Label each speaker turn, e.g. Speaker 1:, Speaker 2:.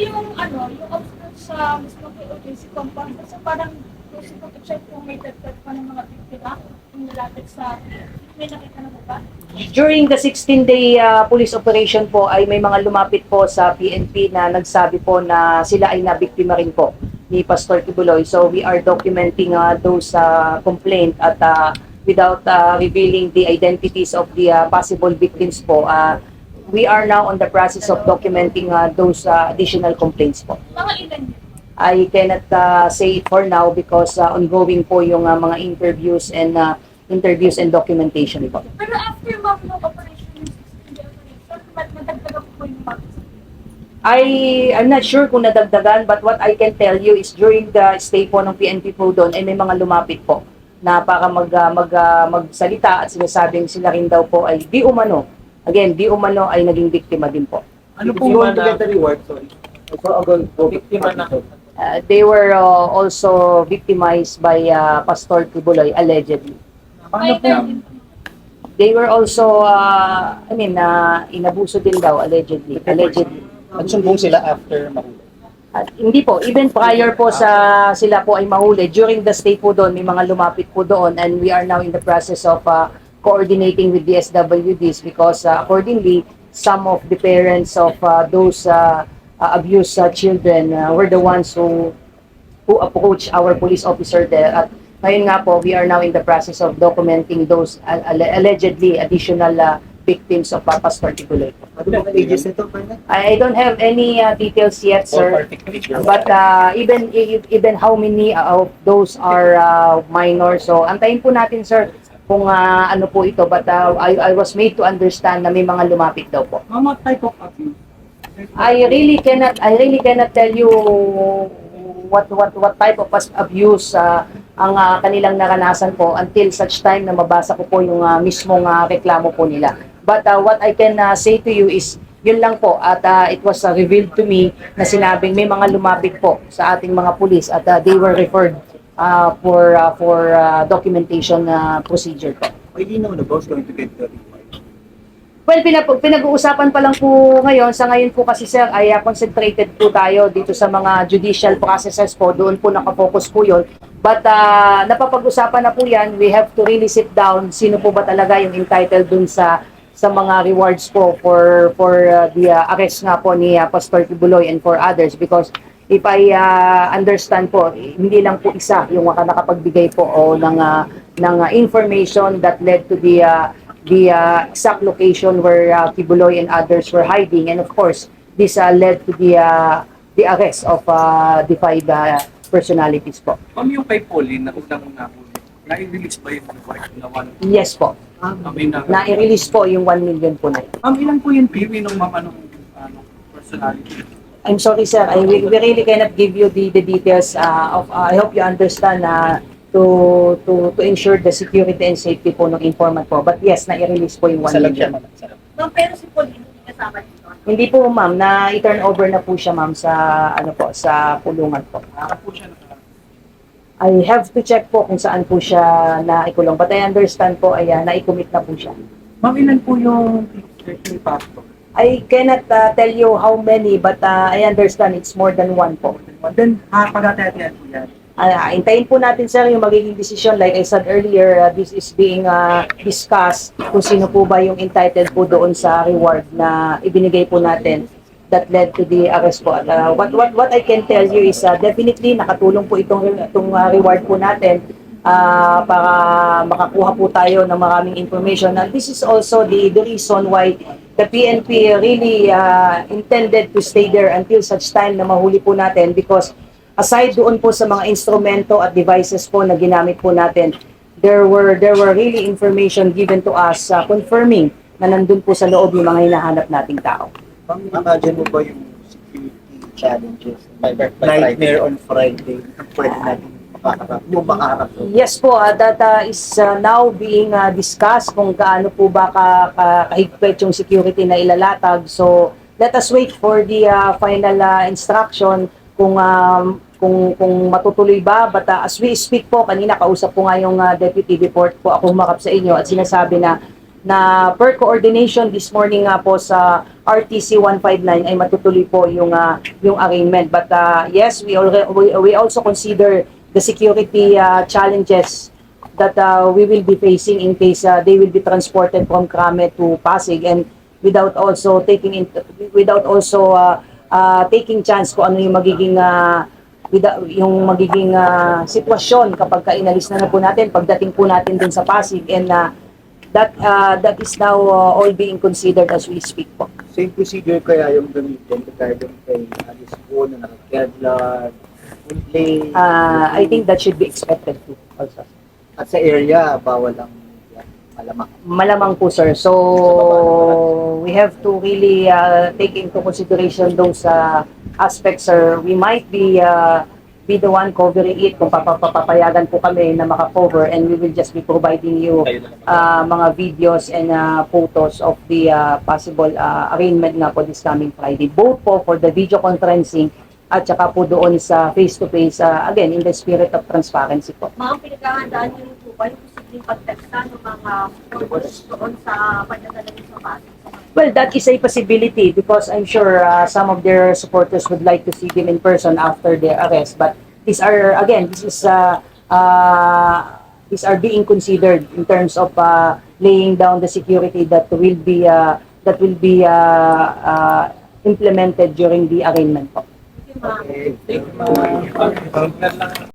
Speaker 1: yung ano, yung obstacles sa mismo POJC compound kasi parang gusto ko check kung may dagdag pa ng mga biktima yung nalapit sa may nakita na po ba?
Speaker 2: During the 16-day police operation po ay may mga lumapit po sa PNP na nagsabi po na sila ay nabiktima rin po ni Pastor Kibuloy. So we are documenting those complaint at without revealing the identities of the possible victims po, we are now on the process of documenting those additional complaints po.
Speaker 1: Mga ilan yun?
Speaker 2: I cannot say it for now because ongoing po yung mga interviews and documentation po.
Speaker 1: Pero after ma'am ng operation yung 16-day operation, nadagdagan po yung ma'am.
Speaker 2: I'm not sure kung nadagdagan, but what I can tell you is during the stay po ng PNP po doon ay may mga lumapit po na para magsalita at sinasabing sila rin daw po ay di umano. Again, di umano ay naging biktima din po.
Speaker 3: Ano po man na reward, sorry? Biktima na.
Speaker 2: They were also victimized by Pastor Kibuloy, allegedly.
Speaker 3: Paano po?
Speaker 2: They were also, inabuso din daw, allegedly.
Speaker 4: Nagsumbong sila after mahuli.
Speaker 2: At hindi po, even prior po sa sila po ay mahuli, during the stay po doon, may mga lumapit po doon and we are now in the process of coordinating with the SWDs because accordingly, some of the parents of those abused children were the ones who approached our police officer there. At ngayon nga po, we are now in the process of documenting those allegedly additional victims of Pastor Kibuloy.
Speaker 4: Ano po ages nito, Perna?
Speaker 2: I don't have any details yet, sir. But even how many of those are minors. So antayin po natin, sir, kung ano po ito. But I was made to understand na may mga lumapit daw po.
Speaker 3: What type of abuse?
Speaker 2: I really cannot tell you what type of abuse ang kanilang naranasan po until such time na mabasa ko po yung mismong reklamo po nila. But what I can say to you is yun lang po at it was revealed to me na sinabing may mga lumapit po sa ating mga pulis at they were referred for documentation procedure po.
Speaker 4: Why do you know the boss going to get the reward?
Speaker 2: Well, pinag-uusapan pa lang po ngayon. Sa ngayon po kasi sir, ay concentrated po tayo dito sa mga judicial processes po. Doon po nakafocus po yun. But napapag-usapan na po yan. We have to really sit down. Sino po ba talaga yung entitled dun sa mga rewards po for the arrest nga po ni Pastor Kibuloy and for others. Because if I understand po, hindi lang po isa yung nakapagbigay po ng information that led to the exact location where Kibuloy and others were hiding, and of course this led to the arrest of the 5 personalities po.
Speaker 3: Ma'am, yung kay Pauline na unang nahuli, na-release ba yung reward na 1?
Speaker 2: Yes po. Na-release po yung 1 million po na.
Speaker 3: Ma'am, ilan po yung PV ng ma'am personality?
Speaker 2: I'm sorry sir, we really cannot give you the details of I hope you understand to ensure the security and safety po ng informant po. But yes, na-release po yung 1 million.
Speaker 1: Ma'am, pero si Paul hindi kasama dito.
Speaker 2: Hindi po ma'am, na-turn over na po siya ma'am sa sa pulungan po.
Speaker 3: Po siya
Speaker 2: I have to check po kung saan po siya naikulong. But I understand po ay naikumit na po siya.
Speaker 3: Ma'am, ilan po yung ni Pastor?
Speaker 2: I cannot tell you how many but I understand it's more than 1 po.
Speaker 3: Then, pag-atatian po yan.
Speaker 2: Hintayin po natin sir yung magiging decision. Like I said earlier, this is being discussed kung sino po ba yung entitled po doon sa reward na ibinigay po natin that led to the arrest po. At, what I can tell you is definitely nakatulong po itong reward po natin para makakuha po tayo ng maraming information. And this is also the reason why the PNP really intended to stay there until such time na mahuli po natin because aside doon po sa mga instrumento at devices po na ginamit po natin, there were really information given to us confirming na nandun po sa loob yung mga hinahanap nating tao.
Speaker 4: Imagine mo ba yung security challenges? Nightmare on Friday. Pwede natin makaharap.
Speaker 2: Yes po, that is now being discussed kung gaano po ba kahigpit yung security na ilalatag. So let us wait for the final instruction kung matutuloy ba. But as we speak po, kanina kausap po nga yung deputy report po ako humakap sa inyo at sinasabi na na per coordination this morning nga po sa RTC 159 ay matutuloy po yung arraignment. But yes, we also consider the security challenges that we will be facing in case they will be transported from Krame to Pasig, and without also taking chance kung ano yung magiging sitwasyon kapag inalis na po natin pagdating po natin dun sa Pasig, and that is now all being considered as we speak po.
Speaker 4: Same procedure kaya yung gamitin regarding kay Alice po na naka-Kevlar, full play.
Speaker 2: I think that should be expected too also.
Speaker 4: At sa area, bawal ang malamang.
Speaker 2: Malamang po, sir. So, we have to really take into consideration those aspects, sir. We might be the one covering it kung papapayagan po kami na makakover, and we will just be providing you mga videos and photos of the possible arraignment nga po this coming Friday. Both po for the video conferencing at saka po doon sa face-to-face, again, in the spirit of transparency po.
Speaker 1: Mga pinaghahandaan niyo rin po ba yung posibleng pagteksta ng mga supporters doon sa pagdadala niyo sa Pasig?
Speaker 2: Well, that is a possibility because I'm sure some of their supporters would like to see them in person after their arrest. But these are, again, these are being considered in terms of laying down the security that will be implemented during the arraignment po.
Speaker 1: Yung mga